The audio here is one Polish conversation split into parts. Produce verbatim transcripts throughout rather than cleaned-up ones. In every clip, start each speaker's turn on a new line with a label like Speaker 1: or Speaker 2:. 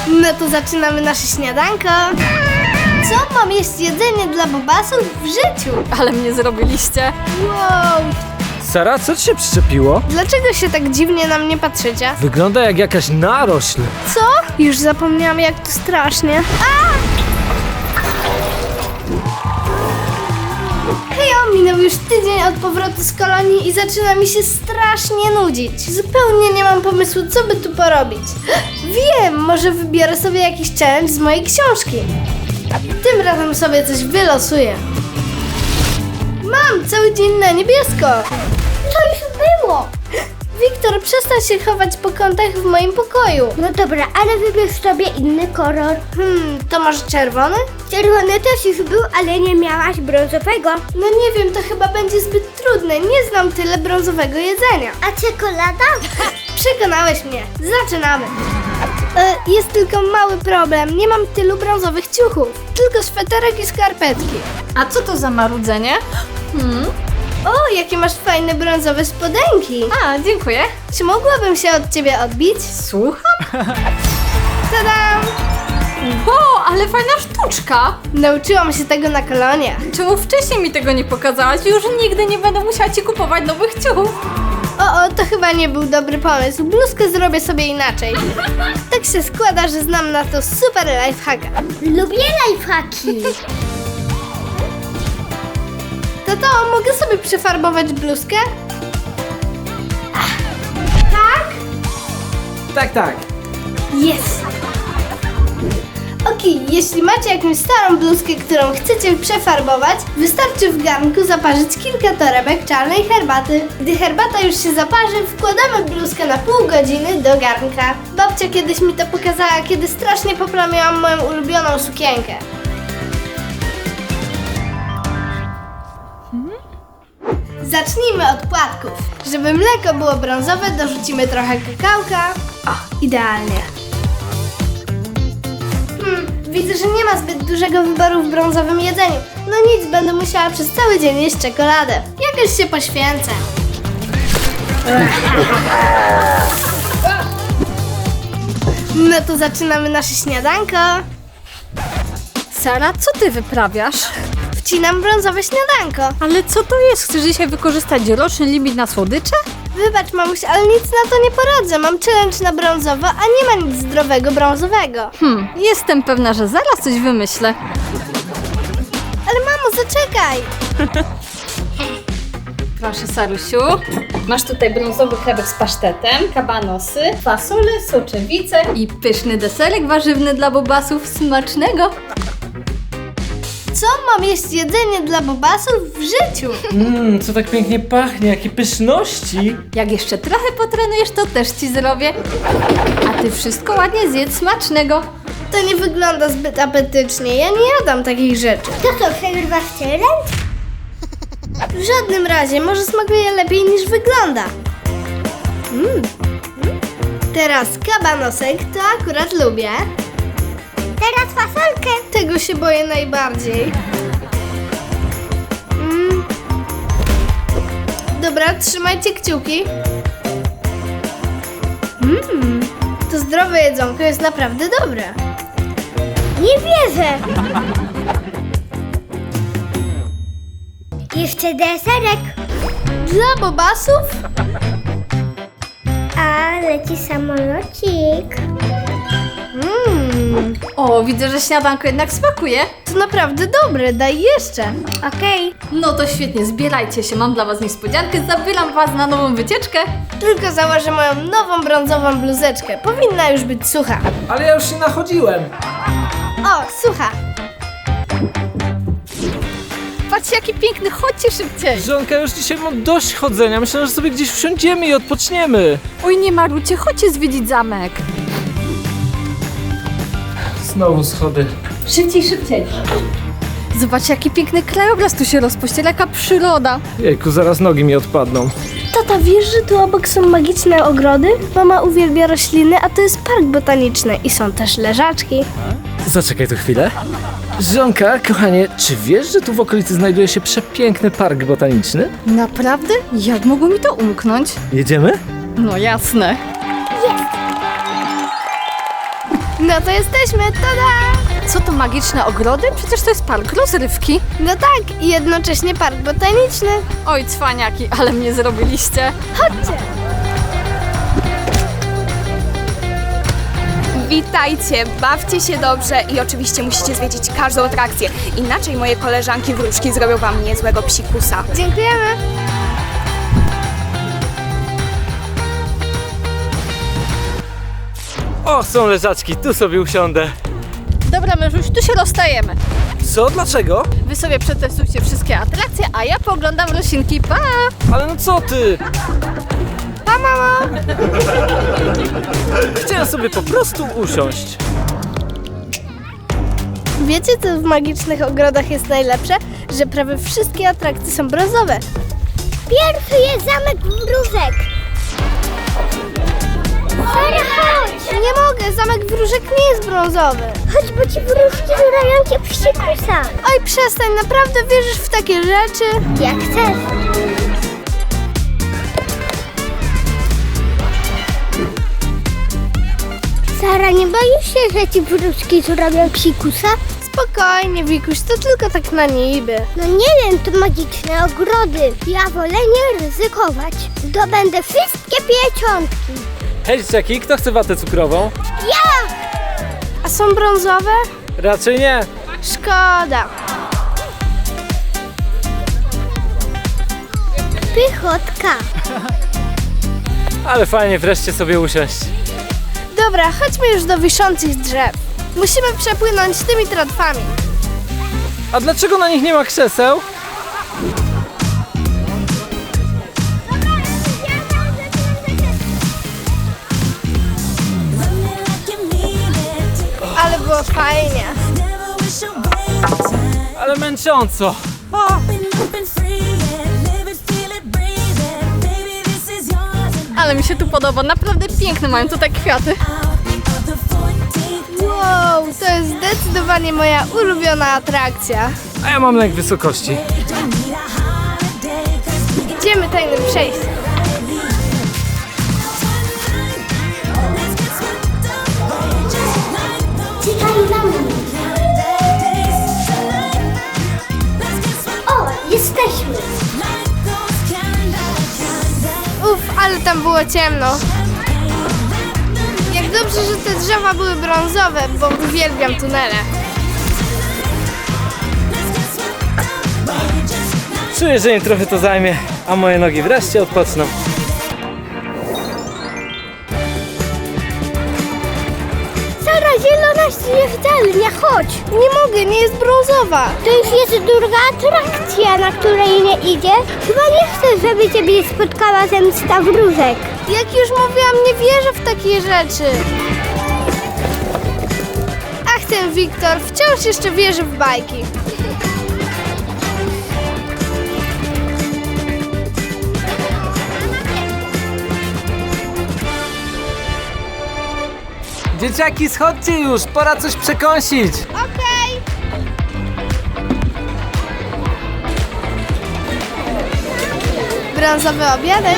Speaker 1: No to zaczynamy nasze śniadanko. Co? Mam jeść jedzenie dla bobasów w życiu?
Speaker 2: Ale mnie zrobiliście.
Speaker 1: Wow!
Speaker 3: Sara, co ci się przyczepiło?
Speaker 1: Dlaczego się tak dziwnie na mnie patrzycie?
Speaker 3: Wygląda jak jakaś narośl.
Speaker 1: Co? Już zapomniałam, jak to strasznie. A! Hejo, minął już tydzień od powrotu z kolonii i zaczyna mi się strasznie nudzić. Zupełnie nie mam pomysłu, co by tu porobić. Wiem, może wybiorę sobie jakiś challenge z mojej książki. Tym razem sobie coś wylosuję. Mam cały dzień na niebiesko. To już było. Wiktor, przestań się chować po kątach w moim pokoju.
Speaker 4: No dobra, ale wybierz sobie inny kolor.
Speaker 1: Hmm, to może czerwony?
Speaker 4: Czerwony też już był, ale nie miałaś brązowego.
Speaker 1: No nie wiem, to chyba będzie zbyt trudne. Nie znam tyle brązowego jedzenia.
Speaker 4: A czekolada?
Speaker 1: Przekonałeś mnie. Zaczynamy. E, jest tylko mały problem. Nie mam tylu brązowych ciuchów. Tylko sweterek i skarpetki.
Speaker 2: A co to za marudzenie? Hmm?
Speaker 1: O, jakie masz fajne brązowe spodenki.
Speaker 2: A, dziękuję.
Speaker 1: Czy mogłabym się od ciebie odbić?
Speaker 2: Słucham?
Speaker 1: Tadam!
Speaker 2: Wow, ale fajna sztuczka.
Speaker 1: Nauczyłam się tego na koloniach.
Speaker 2: Czemu wcześniej mi tego nie pokazałaś? Już nigdy nie będę musiała ci kupować nowych ciuchów.
Speaker 1: O, o, to chyba nie był dobry pomysł. Bluzkę zrobię sobie inaczej. Tak się składa, że znam na to super lifehacka.
Speaker 4: Lubię lifehacki.
Speaker 1: Tato, mogę sobie przefarbować bluzkę? Tak?
Speaker 3: Tak, tak.
Speaker 1: Jest! Okej, jeśli macie jakąś starą bluzkę, którą chcecie przefarbować, wystarczy w garnku zaparzyć kilka torebek czarnej herbaty. Gdy herbata już się zaparzy, wkładamy bluzkę na pół godziny do garnka. Babcia kiedyś mi to pokazała, kiedy strasznie poplamiłam moją ulubioną sukienkę. Zacznijmy od płatków. Żeby mleko było brązowe, dorzucimy trochę kakałka. O, idealnie. Hmm, widzę, że nie ma zbyt dużego wyboru w brązowym jedzeniu. No nic, będę musiała przez cały dzień jeść czekoladę. Jakoś się poświęcę. No to zaczynamy nasze śniadanko.
Speaker 2: Sara, co ty wyprawiasz?
Speaker 1: Wcinam brązowe śniadanko.
Speaker 2: Ale co to jest? Chcesz dzisiaj wykorzystać roczny limit na słodycze?
Speaker 1: Wybacz, mamuś, ale nic na to nie poradzę. Mam challenge na brązowo, a nie ma nic zdrowego brązowego.
Speaker 2: Hmm, jestem pewna, że zaraz coś wymyślę.
Speaker 1: Ale mamo, zaczekaj!
Speaker 2: Proszę, Sarusiu. Masz tutaj brązowy chlebek z pasztetem, kabanosy, fasole, soczewice i pyszny deserek warzywny dla bobasów. Smacznego!
Speaker 1: Co? Mam jeść jedzenie dla bobasów w życiu?
Speaker 3: Mmm, co tak pięknie pachnie, jakie pyszności.
Speaker 2: Jak jeszcze trochę potrenujesz, to też ci zrobię. A ty wszystko ładnie zjedz. Smacznego!
Speaker 1: To nie wygląda zbyt apetycznie. Ja nie jadam takich rzeczy.
Speaker 4: To co, przegrywasz challenge?
Speaker 1: W żadnym razie. Może smakuje lepiej niż wygląda. Mm. Teraz kabanosek, to akurat lubię.
Speaker 4: Teraz fasolkę.
Speaker 1: Tego się boję najbardziej. Mm. Dobra, trzymajcie kciuki. Mmm, to zdrowe jedzonko jest naprawdę dobre.
Speaker 4: Nie wierzę. Jeszcze deserek.
Speaker 1: Dla bobasów?
Speaker 4: A leci samolocik.
Speaker 1: Mmm,
Speaker 2: O, widzę, że śniadanko jednak smakuje.
Speaker 1: to naprawdę dobre, daj jeszcze.
Speaker 4: Okej.
Speaker 2: No to świetnie, zbierajcie się, mam dla was niespodziankę, zabieram was na nową wycieczkę.
Speaker 1: Tylko założę moją nową brązową bluzeczkę. Powinna już być sucha.
Speaker 3: Ale ja już się nachodziłem.
Speaker 1: O, sucha.
Speaker 2: Patrzcie, jaki piękny, chodźcie szybciej.
Speaker 3: Żonka, już dzisiaj mam dość chodzenia. Myślę, że sobie gdzieś wsiądziemy i odpoczniemy.
Speaker 2: Oj, nie marudźcie, chodźcie zwiedzić zamek.
Speaker 3: Znowu schody.
Speaker 2: Szybciej, szybciej. Zobaczcie, jaki piękny krajobraz tu się rozpościera, jaka przyroda.
Speaker 3: Jejku, zaraz nogi mi odpadną.
Speaker 1: Tata, wiesz, że tu obok są magiczne ogrody? Mama uwielbia rośliny, a to jest park botaniczny i są też leżaczki.
Speaker 3: Zaczekaj tu chwilę. Żonka, kochanie, czy wiesz, że tu w okolicy znajduje się przepiękny park botaniczny?
Speaker 2: Naprawdę? Jak mogło mi to umknąć?
Speaker 3: Jedziemy?
Speaker 2: No jasne.
Speaker 1: No to jesteśmy, tada!
Speaker 2: Co to magiczne ogrody? Przecież to jest park rozrywki.
Speaker 1: No tak, i jednocześnie park botaniczny.
Speaker 2: Oj, cwaniaki, ale mnie zrobiliście.
Speaker 1: Chodźcie!
Speaker 5: Witajcie, bawcie się dobrze i oczywiście musicie zwiedzić każdą atrakcję. Inaczej moje koleżanki wróżki zrobią wam niezłego psikusa.
Speaker 1: Dziękujemy!
Speaker 3: O, są leżaczki, tu sobie usiądę.
Speaker 2: Dobra, mężuś, tu się rozstajemy.
Speaker 3: Co? Dlaczego?
Speaker 2: Wy sobie przetestujcie wszystkie atrakcje, a ja pooglądam roślinki. Pa!
Speaker 3: Ale no co ty?
Speaker 1: Pa, mamo!
Speaker 3: Chciałem sobie po prostu usiąść.
Speaker 1: Wiecie, co w magicznych ogrodach jest najlepsze? Że prawie wszystkie atrakcje są brązowe.
Speaker 4: Pierwszy jest zamek wróżek. Sara, chodź!
Speaker 1: Nie mogę, zamek wróżek nie jest brązowy.
Speaker 4: Chodź, bo ci wróżki zurają cię psikusa.
Speaker 1: Oj, przestań, naprawdę wierzysz w takie rzeczy?
Speaker 4: Jak chcesz. Sara, nie boisz się, że ci wróżki zrobią psikusa?
Speaker 1: Spokojnie, Wikuś, to tylko tak na niby.
Speaker 4: No nie wiem, to magiczne ogrody. Ja wolę nie ryzykować. Zdobędę wszystkie pieczątki.
Speaker 3: Hej, dzieciaki, kto chce watę cukrową?
Speaker 4: Ja!
Speaker 1: A są brązowe?
Speaker 3: Raczej nie.
Speaker 1: Szkoda.
Speaker 4: Pychotka.
Speaker 3: Ale fajnie wreszcie sobie usiąść.
Speaker 1: Dobra, chodźmy już do wiszących drzew. Musimy przepłynąć tymi tratwami.
Speaker 3: A dlaczego na nich nie ma krzeseł?
Speaker 1: Ale było fajnie.
Speaker 3: Ale męcząco.
Speaker 2: Ale mi się tu podoba, naprawdę piękne mają tutaj kwiaty.
Speaker 1: Wow, to jest zdecydowanie moja ulubiona atrakcja.
Speaker 3: A ja mam lęk wysokości.
Speaker 1: Idziemy tajnym przejściem.
Speaker 4: Czekaj na mnie. O, jesteśmy.
Speaker 1: Uf, ale tam było ciemno. Jak dobrze, że te drzewa były brązowe, bo uwielbiam tunele.
Speaker 3: Czuję, że im trochę to zajmie, a moje nogi wreszcie odpoczną.
Speaker 4: Sara, zielona śnieżdżalnia, chodź.
Speaker 1: Nie mogę, nie jest brązowa.
Speaker 4: To już jest druga atrakcja, na której nie idziesz. Chyba nie chcesz, żeby ciebie spotkała zemsta wróżek.
Speaker 1: Jak już mówiłam, nie wierzę w takie rzeczy. Ach, ten Wiktor wciąż jeszcze wierzy w bajki.
Speaker 3: Dzieciaki, schodźcie już, pora coś przekąsić.
Speaker 1: Okej. Brązowy obiadek.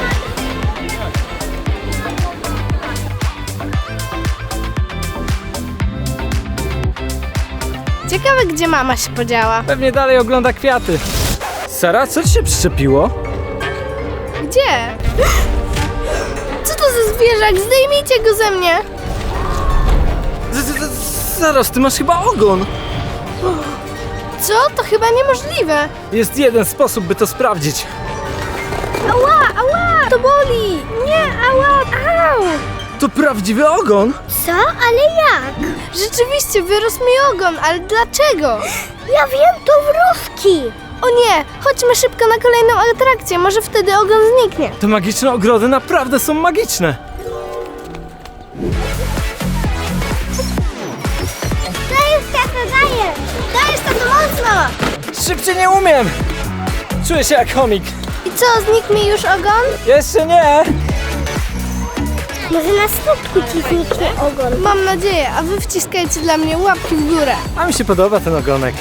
Speaker 1: Ciekawe, gdzie mama się podziała.
Speaker 3: Pewnie dalej ogląda kwiaty. Sara, co ci się przyczepiło?
Speaker 1: Gdzie? Co to za zwierzak? Zdejmijcie go ze mnie.
Speaker 3: Z- z- z- Zaraz, ty masz chyba ogon.
Speaker 1: Co? To chyba niemożliwe.
Speaker 3: Jest jeden sposób, by to sprawdzić.
Speaker 1: Ała, ała, to boli. Nie, ała, au.
Speaker 3: To prawdziwy ogon?
Speaker 4: Co? Ale jak?
Speaker 1: Rzeczywiście wyrósł mi ogon, ale dlaczego?
Speaker 4: Ja wiem, to wróżki.
Speaker 1: O nie, chodźmy szybko na kolejną atrakcję, może wtedy ogon zniknie.
Speaker 3: Te magiczne ogrody naprawdę są magiczne.
Speaker 4: Dajesz, tato, dajesz.
Speaker 1: Dajesz to mocno.
Speaker 3: Szybciej nie umiem. Czuję się jak chomik.
Speaker 1: I co, znikł mi już ogon?
Speaker 3: Jeszcze nie.
Speaker 4: Może na skutku ci zniknie ogon.
Speaker 1: Mam nadzieję, a wy wciskajcie dla mnie łapki w górę.
Speaker 3: A mi się podoba ten ogonek.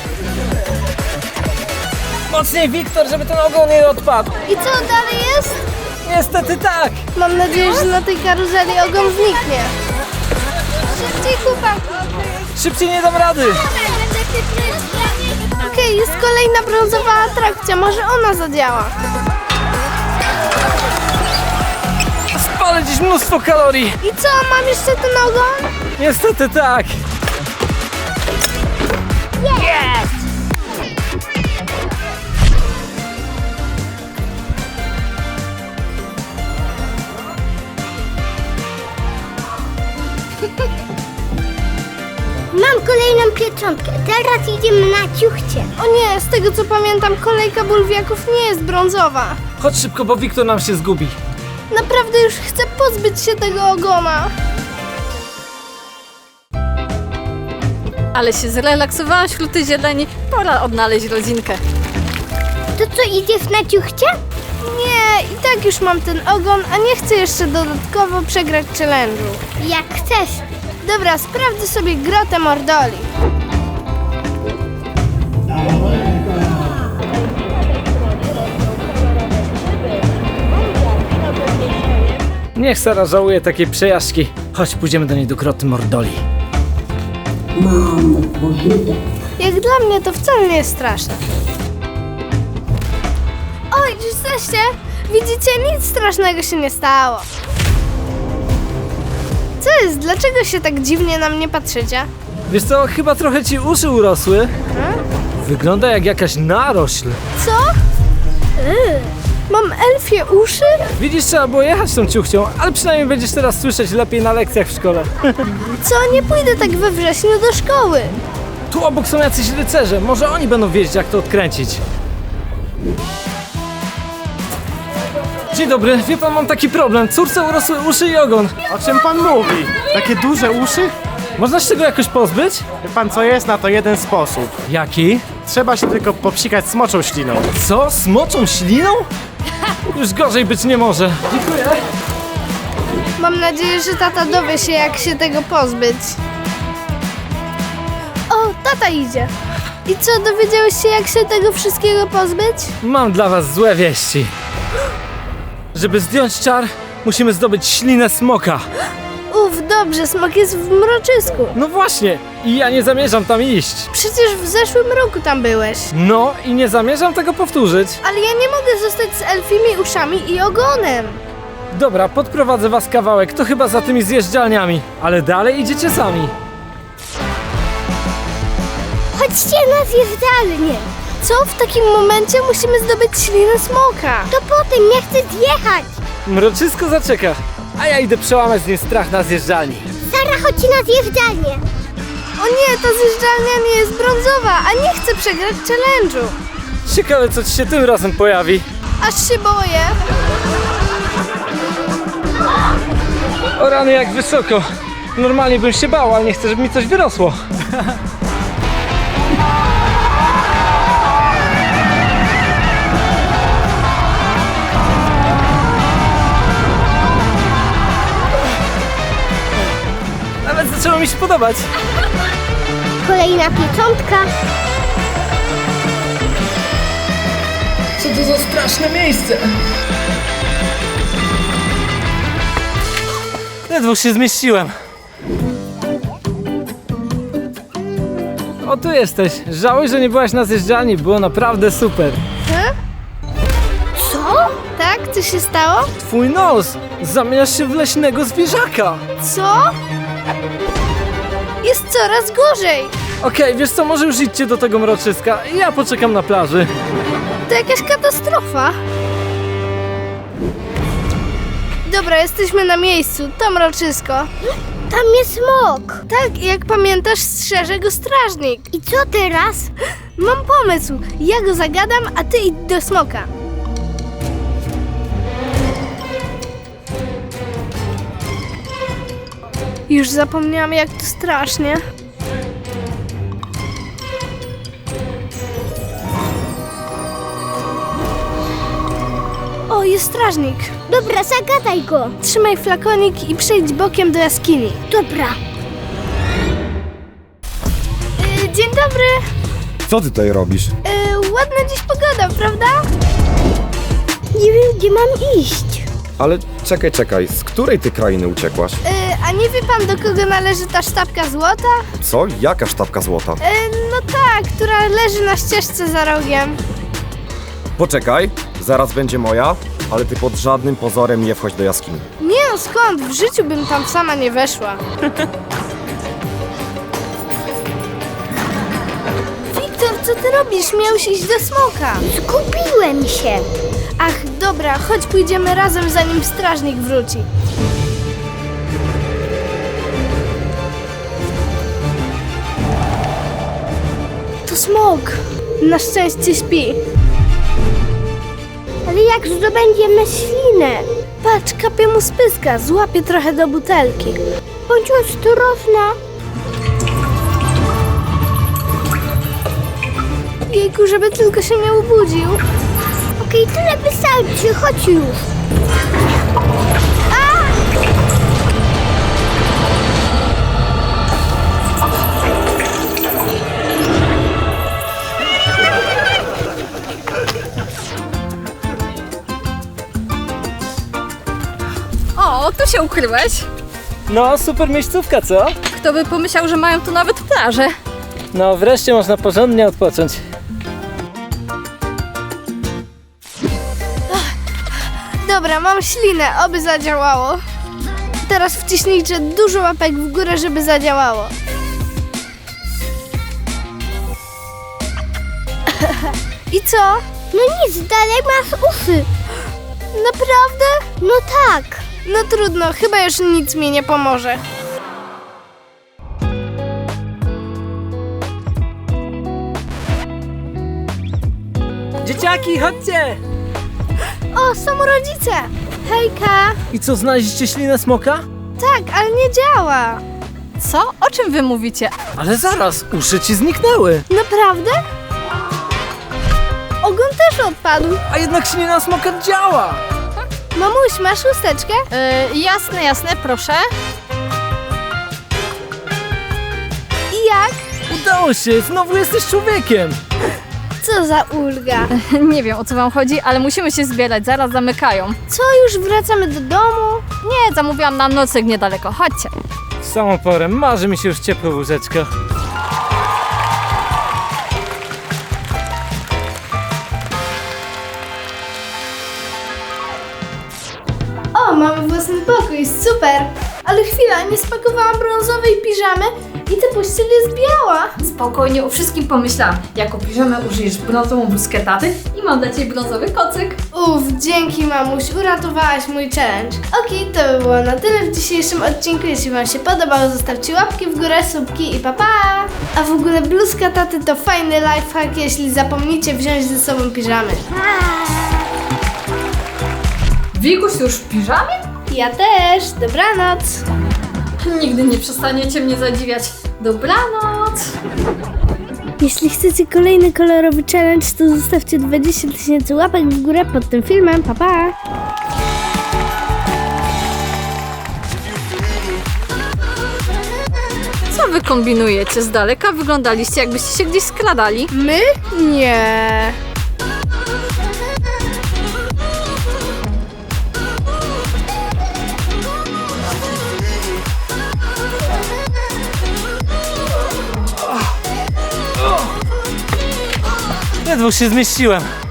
Speaker 3: Mocniej, Wiktor, żeby ten ogon nie odpadł.
Speaker 1: I co dalej jest?
Speaker 3: Niestety tak.
Speaker 1: Mam nadzieję, że na tej karuzeli ogon zniknie. Szybciej! Szybciej, chłopak!
Speaker 3: Szybciej, nie dam rady!
Speaker 1: Okej, jest kolejna brązowa atrakcja, może ona zadziała.
Speaker 3: Spalę dziś mnóstwo kalorii!
Speaker 1: I co, mam jeszcze ten ogon?
Speaker 3: Niestety tak!
Speaker 4: Mam kolejną pieczątkę. Teraz idziemy na ciuchcie.
Speaker 1: O nie, z tego co pamiętam, kolejka bulwiaków nie jest brązowa.
Speaker 3: Chodź szybko, bo Wiktor nam się zgubi.
Speaker 1: Naprawdę już chcę pozbyć się tego ogona.
Speaker 2: Ale się zrelaksowałam wśród tej zieleni, pora odnaleźć rodzinkę.
Speaker 4: To co, idziesz na ciuchcie?
Speaker 1: Nie, i tak już mam ten ogon, a nie chcę jeszcze dodatkowo przegrać challenge'u.
Speaker 4: Jak chcesz.
Speaker 1: Dobra, sprawdzę sobie grotę Mordoli.
Speaker 3: Niech Sara żałuje takiej przejażdżki. Chodź, pójdziemy do niej do groty Mordoli.
Speaker 1: Jak dla mnie to wcale nie jest straszne. Oj, czy jesteście? Widzicie, nic strasznego się nie stało. Co jest? Dlaczego się tak dziwnie na mnie patrzycie?
Speaker 3: Wiesz co, chyba trochę ci uszy urosły. Wygląda jak jakaś narośl.
Speaker 1: Co? Yy, mam elfie uszy?
Speaker 3: Widzisz, trzeba było jechać tą ciuchcią, ale przynajmniej będziesz teraz słyszeć lepiej na lekcjach w szkole.
Speaker 1: Co? Nie pójdę tak we wrześniu do szkoły.
Speaker 3: Tu obok są jacyś rycerze, może oni będą wiedzieć, jak to odkręcić. Dzień dobry, wie pan, mam taki problem. Córce urosły uszy i ogon.
Speaker 6: O czym pan mówi? Takie duże uszy?
Speaker 3: Można się tego jakoś pozbyć?
Speaker 6: Wie pan co, jest na to jeden sposób.
Speaker 3: Jaki?
Speaker 6: Trzeba się tylko popsikać smoczą śliną.
Speaker 3: Co? Smoczą śliną? Już gorzej być nie może. Dziękuję.
Speaker 1: Mam nadzieję, że tata dowie się, jak się tego pozbyć. O, tata idzie. I co, dowiedziałeś się, jak się tego wszystkiego pozbyć?
Speaker 3: Mam dla was złe wieści. Żeby zdjąć czar, musimy zdobyć ślinę smoka.
Speaker 1: Uf, dobrze, smok jest w mroczysku.
Speaker 3: No właśnie, i ja nie zamierzam tam iść.
Speaker 1: Przecież w zeszłym roku tam byłeś.
Speaker 3: No i nie zamierzam tego powtórzyć.
Speaker 1: Ale ja nie mogę zostać z elfimi uszami i ogonem.
Speaker 3: Dobra, podprowadzę was kawałek, to chyba za tymi zjeżdżalniami. Ale dalej idziecie sami.
Speaker 4: Chodźcie na zjeżdżalnię.
Speaker 1: Co? W takim momencie musimy zdobyć ślinę smoka.
Speaker 4: To potem, ja chcę zjechać.
Speaker 3: Mroczysko zaczeka, a ja idę przełamać z nim strach na zjeżdżalni.
Speaker 4: Sara, chodź na zjeżdżalnię.
Speaker 1: O nie, ta zjeżdżalnia nie jest brązowa, a nie chcę przegrać challenge'u.
Speaker 3: Ciekawe, co ci się tym razem pojawi.
Speaker 1: Aż się boję.
Speaker 3: O rany, jak wysoko. Normalnie bym się bał, ale nie chcę, żeby mi coś wyrosło. Nawet zaczęło mi się podobać.
Speaker 4: Kolejna pieczątka.
Speaker 3: Co to za straszne miejsce? Ledwo się zmieściłem. O, tu jesteś. Żałuj, że nie byłaś na zjeżdżalni. Było naprawdę super.
Speaker 1: He? Co? Tak? Co się stało?
Speaker 3: Twój nos! Zamieniasz się w leśnego zwierzaka.
Speaker 1: Co? Jest coraz gorzej.
Speaker 3: Okej, wiesz co, może już idźcie do tego mroczyska. Ja poczekam na plaży.
Speaker 1: To jakaś katastrofa. Dobra, jesteśmy na miejscu. To mroczysko.
Speaker 4: Tam jest smok.
Speaker 1: Tak, jak pamiętasz, strzeże go strażnik.
Speaker 4: I co teraz?
Speaker 1: Mam pomysł. Ja go zagadam, a ty idź do smoka. Już zapomniałam, jak to strasznie. O, jest strażnik.
Speaker 4: Dobra, zagadaj go.
Speaker 1: Trzymaj flakonik i przejdź bokiem do jaskini.
Speaker 4: Dobra.
Speaker 1: Yy, dzień dobry.
Speaker 7: Co ty tutaj robisz?
Speaker 1: Yy, ładna dziś pogoda, prawda?
Speaker 4: Nie wiem, gdzie mam iść.
Speaker 7: Ale czekaj, czekaj, z której ty krainy uciekłaś?
Speaker 1: Yy, A nie wie pan, do kogo należy ta sztabka złota?
Speaker 7: Co? Jaka sztabka złota?
Speaker 1: E, no ta, która leży na ścieżce za rogiem.
Speaker 7: Poczekaj, zaraz będzie moja, ale ty pod żadnym pozorem nie wchodź do jaskini.
Speaker 1: Nie no, skąd? W życiu bym tam sama nie weszła. Wiktor, co ty robisz? Miałeś iść do smoka.
Speaker 4: Zgubiłem się.
Speaker 1: Ach, dobra, chodź pójdziemy razem, zanim strażnik wróci. To smok. Na szczęście śpi.
Speaker 4: Ale jak zdobędziemy ślinę?
Speaker 1: Patrz, kapie mu z pyska, złapie trochę do butelki.
Speaker 4: Bądź ostrożna.
Speaker 1: Jejku, żeby tylko się nie obudził.
Speaker 4: Okej, tyle wystarczy, chodź już.
Speaker 2: O, tu się ukryłeś.
Speaker 3: No, super miejscówka, co?
Speaker 2: Kto by pomyślał, że mają tu nawet plażę?
Speaker 3: No, wreszcie można porządnie odpocząć.
Speaker 1: Dobra, mam ślinę, oby zadziałało. Teraz wciśnijcie dużo łapek w górę, żeby zadziałało. I co?
Speaker 4: No nic, dalej masz uszy.
Speaker 1: Naprawdę?
Speaker 4: No tak.
Speaker 1: No trudno, chyba już nic mi nie pomoże.
Speaker 3: Dzieciaki, chodźcie!
Speaker 1: O, są rodzice! Hejka!
Speaker 3: I co, znaleźliście ślinę smoka?
Speaker 1: Tak, ale nie działa.
Speaker 2: Co? O czym wy mówicie?
Speaker 3: Ale zaraz, uszy ci zniknęły.
Speaker 1: Naprawdę? Ogon też odpadł.
Speaker 3: A jednak ślina smoka działa.
Speaker 1: Mamuś, masz chusteczkę?
Speaker 2: Yy, jasne, jasne, proszę.
Speaker 1: I jak?
Speaker 3: Udało się, znowu jesteś człowiekiem.
Speaker 1: Co za ulga.
Speaker 2: Nie wiem, o co wam chodzi, ale musimy się zbierać, zaraz zamykają.
Speaker 1: Co, już wracamy do domu?
Speaker 2: Nie, zamówiłam nam nocleg niedaleko, chodźcie.
Speaker 3: W samą porę marzy mi się już ciepłe łóżeczko.
Speaker 1: O, mamy własny pokój, super! Ale chwila, nie spakowałam brązowej piżamy i ta pościel jest biała.
Speaker 2: Spokojnie, o wszystkim pomyślałam. Jako piżamę użyjesz brązową bluzkę taty i mam dla ciebie brązowy kocyk.
Speaker 1: Uff, dzięki mamuś, uratowałaś mój challenge. Okej, to by było na tyle w dzisiejszym odcinku. Jeśli wam się podobało, zostawcie łapki w górę, subki i pa pa! A w ogóle bluzka taty to fajny lifehack, jeśli zapomnicie wziąć ze sobą piżamy.
Speaker 2: Wikuś już w piżamie?
Speaker 1: Ja też, dobranoc!
Speaker 2: Nigdy nie przestaniecie mnie zadziwiać. Dobranoc!
Speaker 1: Jeśli chcecie kolejny kolorowy challenge, to zostawcie dwadzieścia tysięcy łapek w górę pod tym filmem. Pa, pa!
Speaker 2: Co wy kombinujecie? Z daleka wyglądaliście, jakbyście się gdzieś skradali.
Speaker 1: My? Nie.
Speaker 3: Ledwo się zmieściłem.